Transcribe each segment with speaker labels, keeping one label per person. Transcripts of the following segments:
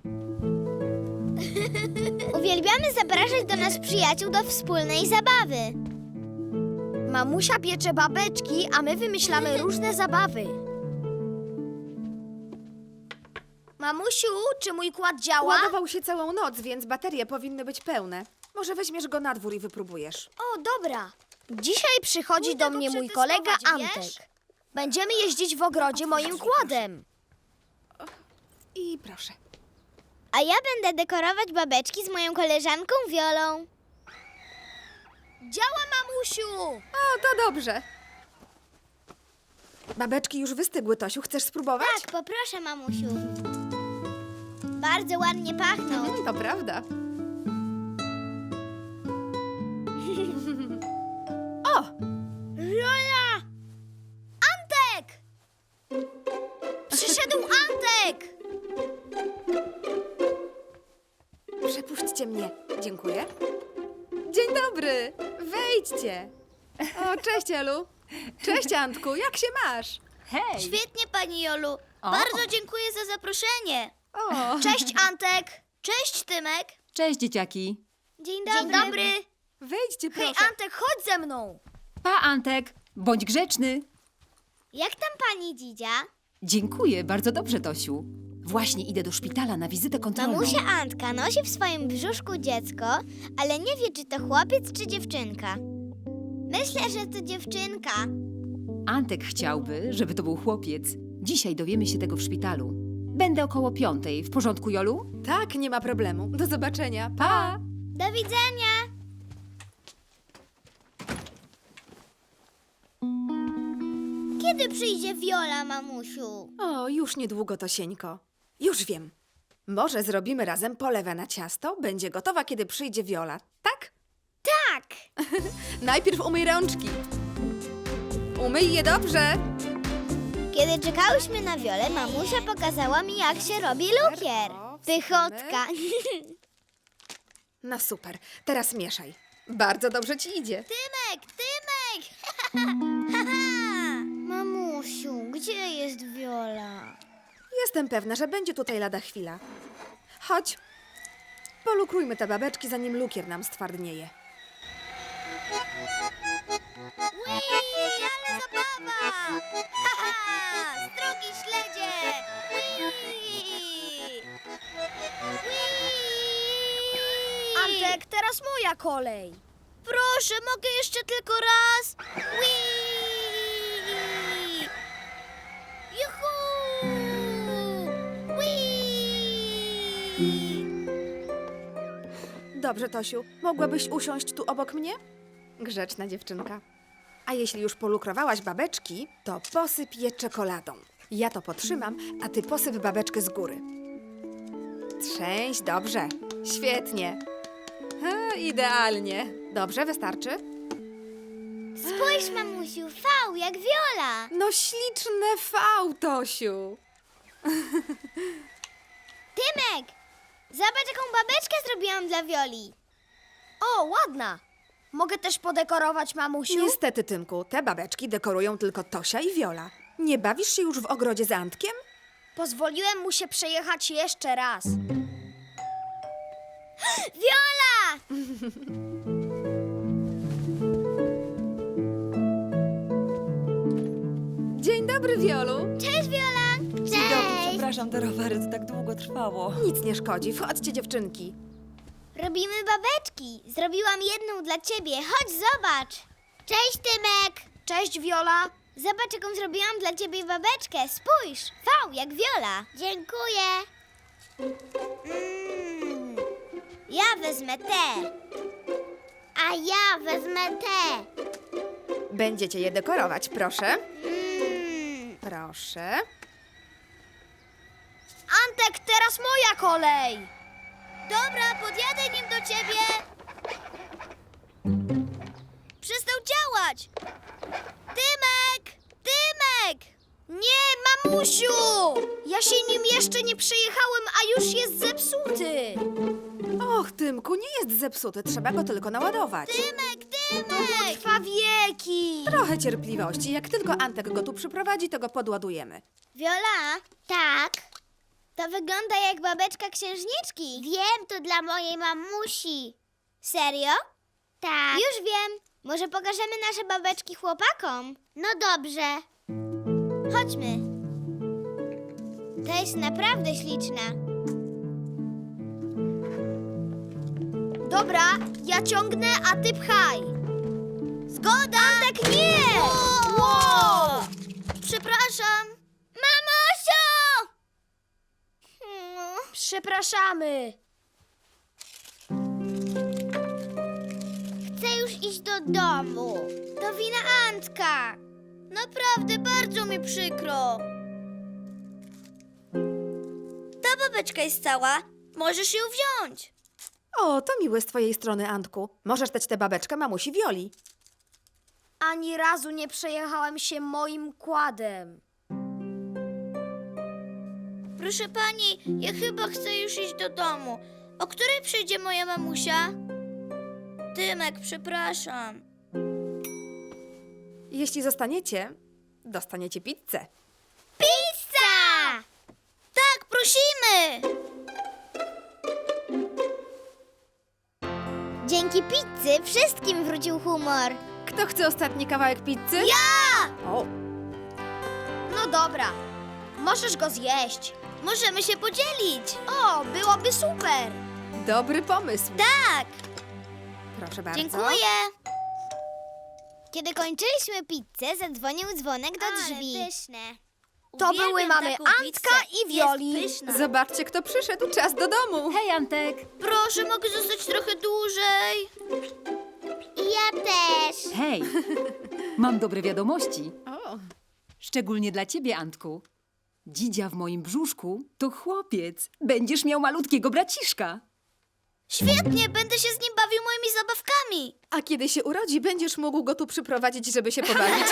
Speaker 1: Uwielbiamy zapraszać do nas przyjaciół do wspólnej zabawy.
Speaker 2: Mamusia piecze babeczki, a my wymyślamy różne zabawy. Mamusiu, czy mój kład działa?
Speaker 3: Ładował się całą noc, więc baterie powinny być pełne. Może weźmiesz go na dwór i wypróbujesz.
Speaker 2: O, dobra. Dzisiaj przychodzi
Speaker 1: Pójdę
Speaker 2: do
Speaker 1: go
Speaker 2: mnie mój kolega
Speaker 1: przetestować, wiesz?
Speaker 2: Antek. Będziemy jeździć w ogrodzie moim kładem.
Speaker 3: I proszę.
Speaker 1: A ja będę dekorować babeczki z moją koleżanką Wiolą.
Speaker 2: Działa, mamusiu!
Speaker 3: O, to dobrze. Babeczki już wystygły, Tosiu. Chcesz spróbować?
Speaker 1: Tak, poproszę, mamusiu. Bardzo ładnie pachną.
Speaker 3: To prawda. O!
Speaker 2: Wiola! Antek! Przyszedł Antek!
Speaker 3: Przepuśćcie mnie. Dziękuję. Dzień dobry. Wejdźcie. O, cześć, Elu. Cześć, Antku. Jak się masz?
Speaker 4: Hej!
Speaker 1: Świetnie, pani Jolu.
Speaker 4: O.
Speaker 1: Bardzo dziękuję za zaproszenie.
Speaker 3: O,
Speaker 2: Cześć Antek! Cześć Tymek!
Speaker 4: Cześć, dzieciaki!
Speaker 1: Dzień
Speaker 2: Dzień dobry!
Speaker 3: wejdźcie,
Speaker 2: Hej
Speaker 3: proszę.
Speaker 2: Antek, chodź ze mną!
Speaker 4: Pa, Antek! Bądź grzeczny!
Speaker 1: Jak tam pani Dzidzia?
Speaker 4: Dziękuję, bardzo dobrze, Tosiu. Właśnie idę do szpitala na wizytę kontrolną.
Speaker 1: Mamusia Antka nosi w swoim brzuszku dziecko, ale nie wie, czy to chłopiec, czy dziewczynka. Myślę, że to dziewczynka.
Speaker 4: Antek chciałby, żeby to był chłopiec. Dzisiaj dowiemy się tego w szpitalu. Będę około 5:00. W porządku, Jolu?
Speaker 3: Tak, nie ma problemu. Do zobaczenia. Pa!
Speaker 1: Do widzenia. Kiedy przyjdzie Wiola, mamusiu?
Speaker 3: O, już niedługo, Tosieńko. Już wiem. Może zrobimy razem polewę na ciasto? Będzie gotowa, kiedy przyjdzie Wiola. Tak?
Speaker 1: Tak.
Speaker 3: Najpierw umyj rączki. Umyj je dobrze.
Speaker 1: Kiedy czekałyśmy na Wiolę, mamusia pokazała mi, jak się robi lukier. Pychotka.
Speaker 3: No super. Teraz mieszaj. Bardzo dobrze ci idzie.
Speaker 1: Tymek, Tymek! Mamusiu, gdzie jest Wiola?
Speaker 3: Jestem pewna, że będzie tutaj lada chwila. Chodź. Polukrujmy te babeczki, zanim lukier nam stwardnieje.
Speaker 1: Ui, ale zabawa! Strugi śledzie!
Speaker 2: Antek, teraz moja kolej.
Speaker 1: Proszę, mogę jeszcze tylko raz? Juhu!
Speaker 3: Dobrze, Tosiu. Mogłabyś usiąść tu obok mnie? Grzeczna dziewczynka. A jeśli już polukrowałaś babeczki, to posyp je czekoladą. Ja to potrzymam, a ty posyp babeczkę z góry. Trzęś, dobrze. Świetnie. Idealnie. Dobrze, wystarczy?
Speaker 1: Spójrz, mamusiu, V jak Wiola.
Speaker 3: No śliczne V, Tosiu.
Speaker 1: Tymek, zobacz, jaką babeczkę zrobiłam dla Wioli.
Speaker 2: O, ładna. Mogę też podekorować, mamusiu?
Speaker 3: Niestety, Tymku, te babeczki dekorują tylko Tosia i Wiola. Nie bawisz się już w ogrodzie z Antkiem?
Speaker 2: Pozwoliłem mu się przejechać jeszcze raz.
Speaker 1: Wiola!
Speaker 3: Dzień dobry, Wiolu.
Speaker 1: Cześć, Wiola! Cześć!
Speaker 5: Przepraszam, te rowery, to tak długo trwało.
Speaker 3: Nic nie szkodzi, wchodźcie, dziewczynki.
Speaker 1: Robimy babeczki. Zrobiłam jedną dla ciebie. Chodź, zobacz. Cześć, Tymek.
Speaker 2: Cześć, Wiola.
Speaker 1: Zobacz, jaką zrobiłam dla ciebie babeczkę. Spójrz, V jak Wiola. Dziękuję. Ja wezmę tę. A ja wezmę tę.
Speaker 3: Będziecie je dekorować, proszę. Proszę.
Speaker 2: Antek, teraz moja kolej.
Speaker 1: Dobra, podjadę nim do ciebie. Przestał działać. Tymek! Tymek!
Speaker 2: Nie, mamusiu! Ja się nim jeszcze nie przejechałem, a już jest zepsuty.
Speaker 3: Och, Tymku, nie jest zepsuty, trzeba go tylko naładować.
Speaker 1: Tymek,
Speaker 2: To
Speaker 1: Tymek!
Speaker 2: trwa wieki.
Speaker 3: Trochę cierpliwości. Jak tylko Antek go tu przyprowadzi, to go podładujemy.
Speaker 1: Wiola? Tak? To wygląda jak babeczka księżniczki. Wiem, to dla mojej mamusi. Serio? Tak. Już wiem. Może pokażemy nasze babeczki chłopakom? No dobrze. Chodźmy. To jest naprawdę śliczna.
Speaker 2: Dobra, ja ciągnę, a ty pchaj. Zgoda! Tak nie! Wow! Przepraszam.
Speaker 1: Mamusiu!
Speaker 2: Przepraszamy.
Speaker 1: Chcę już iść do domu. To wina Antka.
Speaker 2: Naprawdę bardzo mi przykro. Ta babeczka jest cała. Możesz ją wziąć.
Speaker 3: O, to miłe z twojej strony, Antku. Możesz dać tę babeczkę mamusi Wioli.
Speaker 2: Ani razu nie przejechałem się moim kładem. Proszę pani, ja chyba chcę już iść do domu. O której przyjdzie moja mamusia? Tymek, przepraszam.
Speaker 3: Jeśli zostaniecie, dostaniecie pizzę.
Speaker 1: Pizza!
Speaker 2: Tak, prosimy!
Speaker 1: Dzięki pizzy wszystkim wrócił humor.
Speaker 3: Kto chce ostatni kawałek pizzy?
Speaker 2: Ja!
Speaker 3: O,
Speaker 2: No dobra, możesz go zjeść. Możemy się podzielić. O, byłoby super.
Speaker 3: dobry pomysł.
Speaker 2: Tak,
Speaker 3: Proszę bardzo.
Speaker 2: dziękuję.
Speaker 1: Kiedy kończyliśmy pizzę, zadzwonił dzwonek do drzwi.
Speaker 2: pyszne. To były mamy Antka i Wioli.
Speaker 3: Zobaczcie, kto przyszedł. Czas do domu.
Speaker 4: Hej, Antek!
Speaker 2: Proszę, mogę zostać trochę dłużej.
Speaker 1: I ja też.
Speaker 4: Hej! Mam dobre wiadomości.
Speaker 3: O,
Speaker 4: Szczególnie dla ciebie, Antku. Dzidzia w moim brzuszku to chłopiec. Będziesz miał malutkiego braciszka.
Speaker 2: Świetnie, będę się z nim bawił moimi zabawkami.
Speaker 3: a kiedy się urodzi, będziesz mógł go tu przyprowadzić, żeby się pobawić.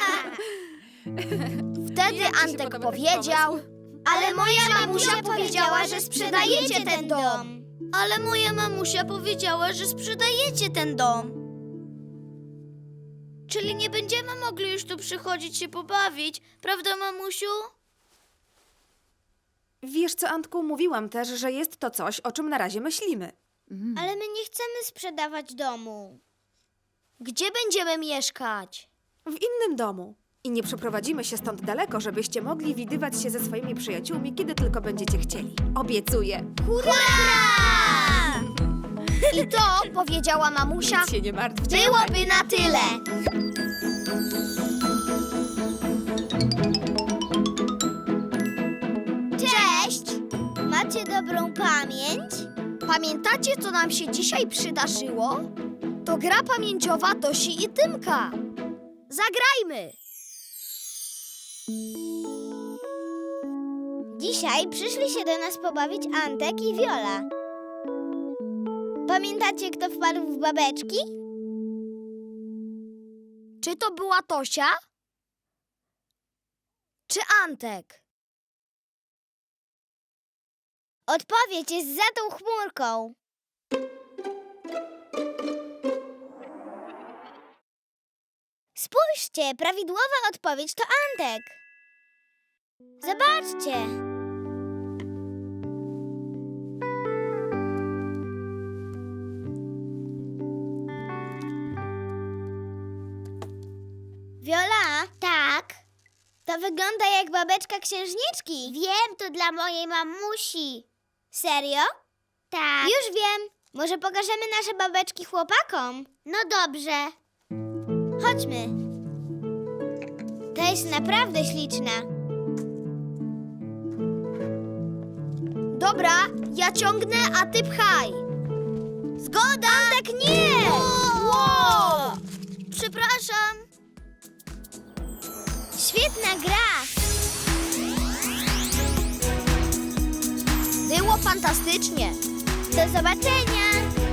Speaker 2: Wtedy
Speaker 3: Jak ci się
Speaker 2: Antek
Speaker 3: podoba taki
Speaker 2: powiedział,
Speaker 3: pomysł?
Speaker 2: ale moja mamusia powiedziała, że sprzedajecie ten dom. Ale moja mamusia powiedziała, że sprzedajecie ten dom. Czyli nie będziemy mogli już tu przychodzić się pobawić, prawda, mamusiu?
Speaker 3: Wiesz co, Antku, mówiłam też, że jest to coś, o czym na razie myślimy.
Speaker 1: Ale my nie chcemy sprzedawać domu.
Speaker 2: Gdzie będziemy mieszkać?
Speaker 3: W innym domu. I nie przeprowadzimy się stąd daleko, żebyście mogli widywać się ze swoimi przyjaciółmi, kiedy tylko będziecie chcieli. Obiecuję.
Speaker 2: Hurra! I to, powiedziała mamusia,
Speaker 3: Nic się nie martwcie.
Speaker 2: byłoby na tyle.
Speaker 1: Cześć! Macie dobrą pamięć?
Speaker 2: Pamiętacie, co nam się dzisiaj przydarzyło? To gra pamięciowa Tosi i Tymka. Zagrajmy!
Speaker 1: Dzisiaj przyszli się do nas pobawić Antek i Wiola. Pamiętacie, kto wpadł w babeczki?
Speaker 2: Czy to była Tosia? Czy Antek?
Speaker 1: Odpowiedź jest za tą chmurką. Spójrzcie, prawidłowa odpowiedź to Antek. Zobaczcie. Wiola? Tak? To wygląda jak babeczka księżniczki. Wiem, to dla mojej mamusi. Serio? Tak. Już wiem. Może pokażemy nasze babeczki chłopakom? No dobrze. Chodźmy. To jest naprawdę śliczna.
Speaker 2: Dobra, ja ciągnę, a ty pchaj. Zgoda! Tak nie! Wow! Przepraszam.
Speaker 1: Świetna gra.
Speaker 2: Było fantastycznie.
Speaker 1: Do zobaczenia.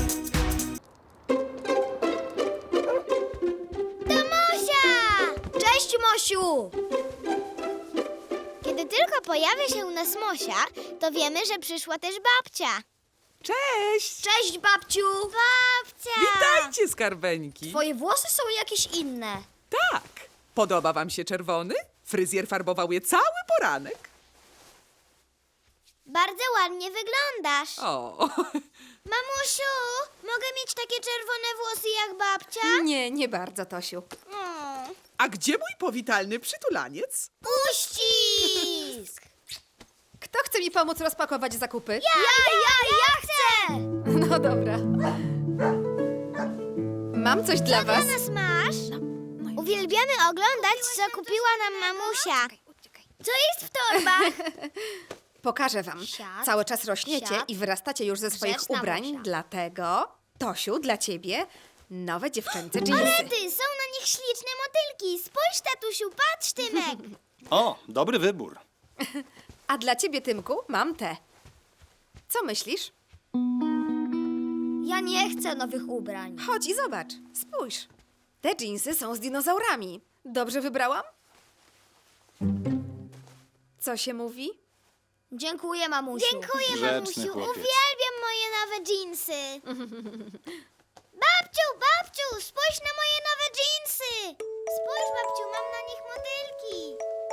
Speaker 1: To Mosia!
Speaker 2: Cześć, Mosiu!
Speaker 1: Kiedy tylko pojawia się u nas Mosia, to wiemy, że przyszła też babcia.
Speaker 6: Cześć!
Speaker 2: Cześć, babciu!
Speaker 1: Babcia!
Speaker 6: Witajcie, skarbeńki!
Speaker 2: Twoje włosy są jakieś inne.
Speaker 6: Tak! Podoba wam się czerwony? Fryzjer farbował je cały poranek.
Speaker 1: Bardzo ładnie wyglądasz.
Speaker 6: O,
Speaker 1: Mamusiu, mogę mieć takie czerwone włosy jak babcia?
Speaker 3: Nie, nie bardzo, Tosiu.
Speaker 6: a gdzie mój powitalny przytulaniec?
Speaker 1: Uścisk!
Speaker 3: Kto chce mi pomóc rozpakować zakupy?
Speaker 1: Ja chcę!
Speaker 3: No dobra. Mam coś dla was.
Speaker 1: Dla nas masz? Uwielbiamy oglądać, co kupiła nam mamusia. Co jest w torbach?
Speaker 3: Pokażę wam.
Speaker 1: Siad,
Speaker 3: Cały czas rośniecie
Speaker 1: siad,
Speaker 3: i wyrastacie już ze swoich
Speaker 1: grzeczna
Speaker 3: ubrań,
Speaker 1: Mosia.
Speaker 3: dlatego, Tosiu, dla ciebie nowe dziewczęce
Speaker 1: Ale
Speaker 3: dżinsy.
Speaker 1: ty, są na nich śliczne motylki. Spójrz, tatusiu, patrz, Tymek.
Speaker 7: O, dobry wybór.
Speaker 3: A dla ciebie, Tymku, mam te. Co myślisz?
Speaker 1: Ja nie chcę nowych ubrań.
Speaker 3: Chodź i zobacz. Spójrz. Te dżinsy są z dinozaurami. Dobrze wybrałam? Co się mówi?
Speaker 1: Dziękuję, mamusiu. Dziękuję,
Speaker 7: Grzeczny
Speaker 1: mamusiu.
Speaker 7: chłopiec.
Speaker 1: Uwielbiam moje nowe dżinsy. Babciu, spójrz na moje nowe dżinsy. Spójrz, babciu, mam na nich motylki.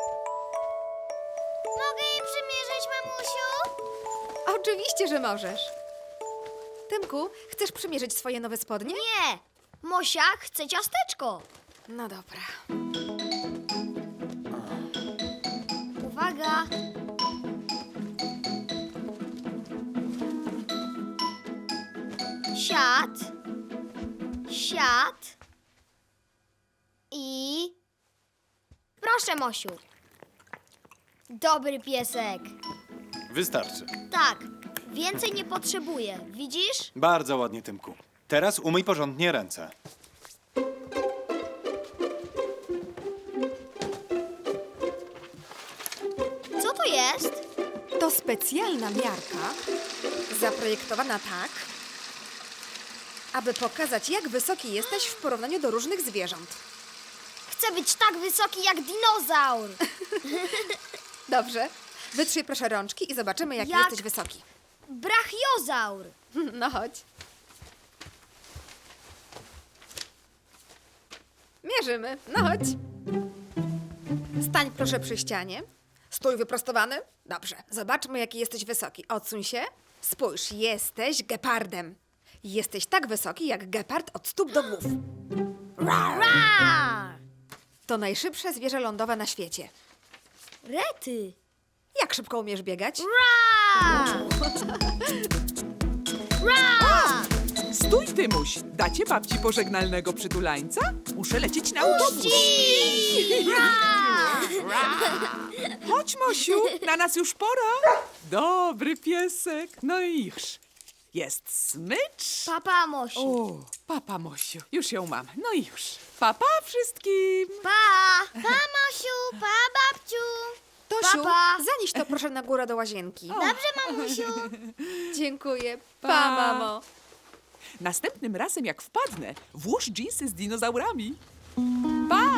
Speaker 1: Mogę je przymierzyć, mamusiu?
Speaker 3: Oczywiście, że możesz. Tymku, chcesz przymierzyć swoje nowe spodnie?
Speaker 1: Nie. Mosia chce ciasteczko.
Speaker 3: No dobra.
Speaker 1: Uwaga. Siad. Siad. I... Proszę, Mosiu. Dobry piesek.
Speaker 7: Wystarczy.
Speaker 1: Tak, więcej nie potrzebuję. Widzisz?
Speaker 7: Bardzo ładnie, Tymku. Teraz umyj porządnie ręce.
Speaker 1: Co to jest?
Speaker 3: To specjalna miarka, zaprojektowana tak, aby pokazać, jak wysoki jesteś w porównaniu do różnych zwierząt.
Speaker 1: Chcę być tak wysoki jak dinozaur.
Speaker 3: Dobrze. Wytrzyj proszę rączki i zobaczymy, jak
Speaker 1: Jak?
Speaker 3: jesteś wysoki.
Speaker 1: Brachiozaur.
Speaker 3: No chodź. Mierzymy. No chodź. Stań proszę przy ścianie. Stój wyprostowany. Dobrze. Zobaczmy, jaki jesteś wysoki. Odsuń się. Spójrz, jesteś gepardem. Jesteś tak wysoki, jak gepard od stóp do głów.
Speaker 1: Ra!
Speaker 3: To najszybsze zwierzę lądowe na świecie.
Speaker 1: Rety.
Speaker 3: Jak szybko umiesz biegać?
Speaker 1: Ra! Ra!
Speaker 6: Stój, Tymuś. Dacie babci pożegnalnego przytulańca? Muszę lecieć na autobus. Chodź, Mosiu, na nas już pora. Dobry piesek. No iż. Jest smycz.
Speaker 1: Papa, Mosiu.
Speaker 6: O, papa, Mosiu. Już ją mam. No i już. Papa wszystkim.
Speaker 1: Pa! Pa, Mosiu! Pa, babciu!
Speaker 3: Tosiu,
Speaker 1: Papa.
Speaker 3: zanieś to proszę na górę do łazienki.
Speaker 1: Dobrze, mamusiu.
Speaker 3: Dziękuję.
Speaker 6: Pa.
Speaker 3: Pa, mamo.
Speaker 6: Następnym razem, jak wpadnę, włóż dżinsy z dinozaurami. Pa!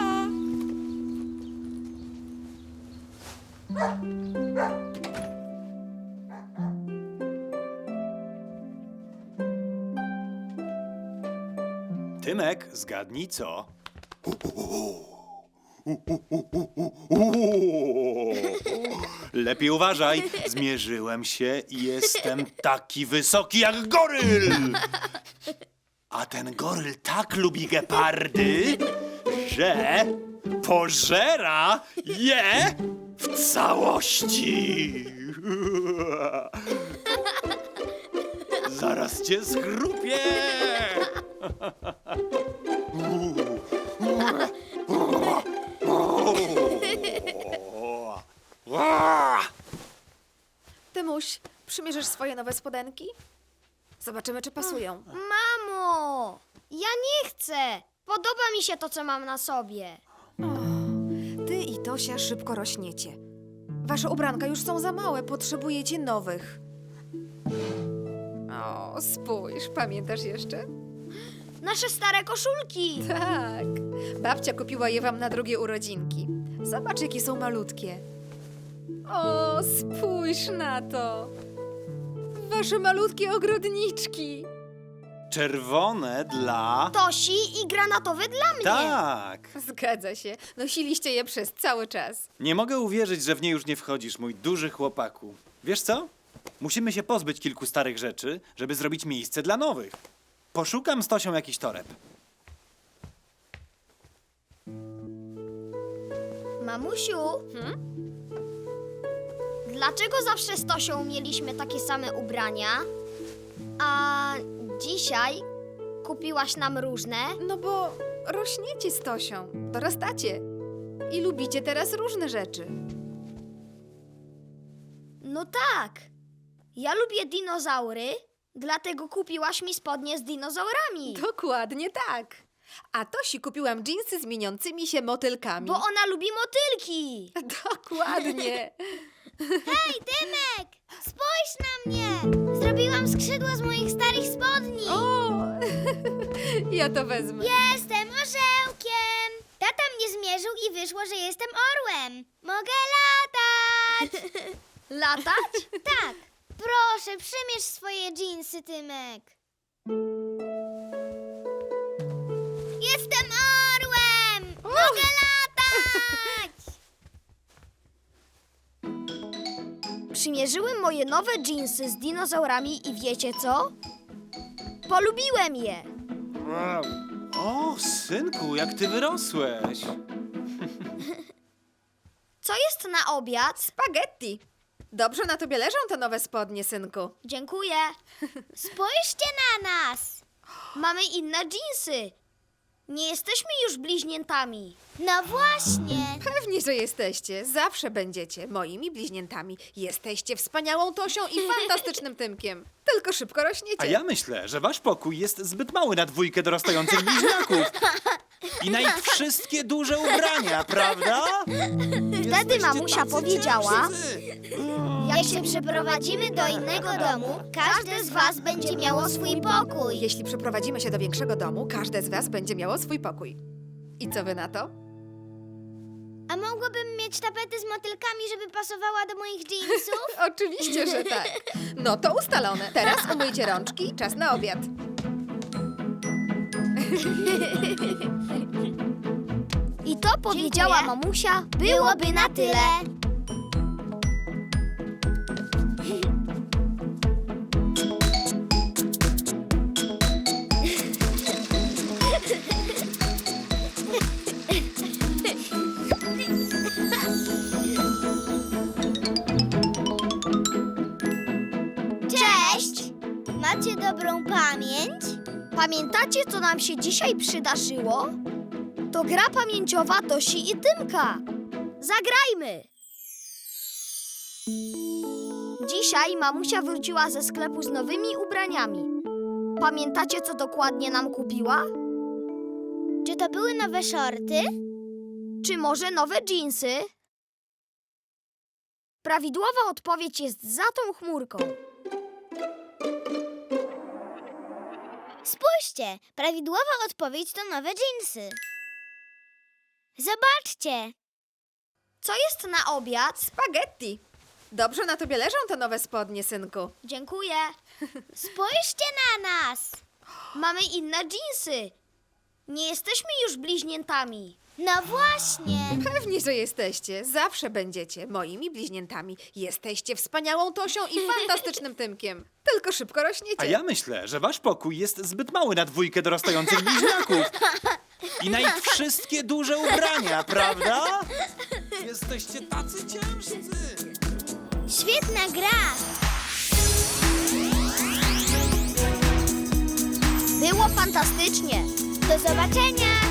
Speaker 7: Tymek, zgadnij co? Lepiej uważaj. Zmierzyłem się i jestem taki wysoki jak goryl. A ten goryl tak lubi gepardy, że pożera je w całości. Zaraz cię schrupię.
Speaker 3: Tymuś, przymierzysz swoje nowe spodenki? Zobaczymy, czy pasują.
Speaker 1: Mamo! Ja nie chcę! Podoba mi się to, co mam na sobie.
Speaker 3: Ty i Tosia szybko rośniecie. Wasze ubranka już są za małe, potrzebujecie nowych. O, spójrz, pamiętasz jeszcze?
Speaker 1: Nasze stare koszulki.
Speaker 3: Tak. Babcia kupiła je wam na drugie urodzinki. Zobacz, jakie są malutkie. O, spójrz na to. Wasze malutkie ogrodniczki.
Speaker 7: Czerwone dla...
Speaker 1: Tosi i granatowy dla mnie.
Speaker 7: Tak.
Speaker 3: Zgadza się. Nosiliście je przez cały czas.
Speaker 7: Nie mogę uwierzyć, że w nie już nie wchodzisz, mój duży chłopaku. Wiesz co? Musimy się pozbyć kilku starych rzeczy, żeby zrobić miejsce dla nowych. Poszukam z Tosią jakiś toreb.
Speaker 8: Mamusiu, dlaczego zawsze z Tosią mieliśmy takie same ubrania, a dzisiaj kupiłaś nam różne?
Speaker 3: No bo rośniecie z Tosią, dorastacie i lubicie teraz różne rzeczy.
Speaker 8: No tak, ja lubię dinozaury, dlatego kupiłaś mi spodnie z dinozaurami.
Speaker 3: Dokładnie tak. A Tosi kupiłam dżinsy z mieniącymi się motylkami.
Speaker 8: Bo ona lubi motylki.
Speaker 3: Dokładnie.
Speaker 1: Hej, Tymek! Spójrz na mnie! Zrobiłam skrzydła z moich starych spodni!
Speaker 3: O, ja to wezmę.
Speaker 1: Jestem orzełkiem! Tata mnie zmierzył i wyszło, że jestem orłem. Mogę latać!
Speaker 8: Latać?
Speaker 1: Tak, proszę, przymierz swoje dżinsy, Tymek. Jestem orłem! Mogę latać!
Speaker 8: Przymierzyłem moje nowe dżinsy z dinozaurami i wiecie co? Polubiłem je.
Speaker 7: O, synku, jak ty wyrosłeś.
Speaker 8: Co jest na obiad?
Speaker 3: Spaghetti. Dobrze na tobie leżą te nowe spodnie, synku.
Speaker 8: Dziękuję.
Speaker 1: Spójrzcie na nas!
Speaker 8: Mamy inne dżinsy. Nie jesteśmy już bliźniętami.
Speaker 1: No właśnie!
Speaker 3: Pewnie, że jesteście. Zawsze będziecie moimi bliźniętami. Jesteście wspaniałą Tosią i fantastycznym Tymkiem. Tylko szybko rośniecie.
Speaker 7: A ja myślę, że wasz pokój jest zbyt mały na dwójkę dorastających bliźniaków. I na ich wszystkie duże ubrania, prawda?
Speaker 8: Wtedy mamusia powiedziała,
Speaker 1: Jak się przeprowadzimy do innego domu, każde z was będzie miało swój pokój.
Speaker 3: Jeśli przeprowadzimy się do większego domu, każde z was będzie miało swój pokój. I co wy na to?
Speaker 1: A mogłabym mieć tapetę z motylkami, żeby pasowała do moich dżinsów?
Speaker 3: Oczywiście, że tak. No to ustalone. Teraz umyjcie rączki, czas na obiad.
Speaker 8: i to powiedziała
Speaker 1: Dziękuję.
Speaker 8: mamusia,
Speaker 1: Byłoby na tyle. Cześć! Macie dobrą pamięć?
Speaker 8: Pamiętacie, co nam się dzisiaj przydarzyło? To gra pamięciowa Tosi i Tymka. Zagrajmy! Dzisiaj mamusia wróciła ze sklepu z nowymi ubraniami. Pamiętacie, co dokładnie nam kupiła?
Speaker 1: Czy to były nowe shorty?
Speaker 8: Czy może nowe dżinsy? Prawidłowa odpowiedź jest za tą chmurką.
Speaker 1: Spójrzcie, prawidłowa odpowiedź to nowe dżinsy. Zobaczcie!
Speaker 8: Co jest na obiad?
Speaker 3: Spaghetti. Dobrze na tobie leżą te nowe spodnie, synku.
Speaker 8: Dziękuję.
Speaker 1: Spójrzcie na nas!
Speaker 8: Mamy inne dżinsy. Nie jesteśmy już bliźniętami.
Speaker 1: No właśnie!
Speaker 3: Pewnie, że jesteście. Zawsze będziecie moimi bliźniętami. Jesteście wspaniałą Tosią i fantastycznym Tymkiem. Tylko szybko rośniecie.
Speaker 7: A ja myślę, że wasz pokój jest zbyt mały na dwójkę dorastających bliźniaków. I na ich wszystkie duże ubrania, prawda? Jesteście tacy ciężcy.
Speaker 1: Świetna gra!
Speaker 8: Było fantastycznie.
Speaker 1: Do zobaczenia!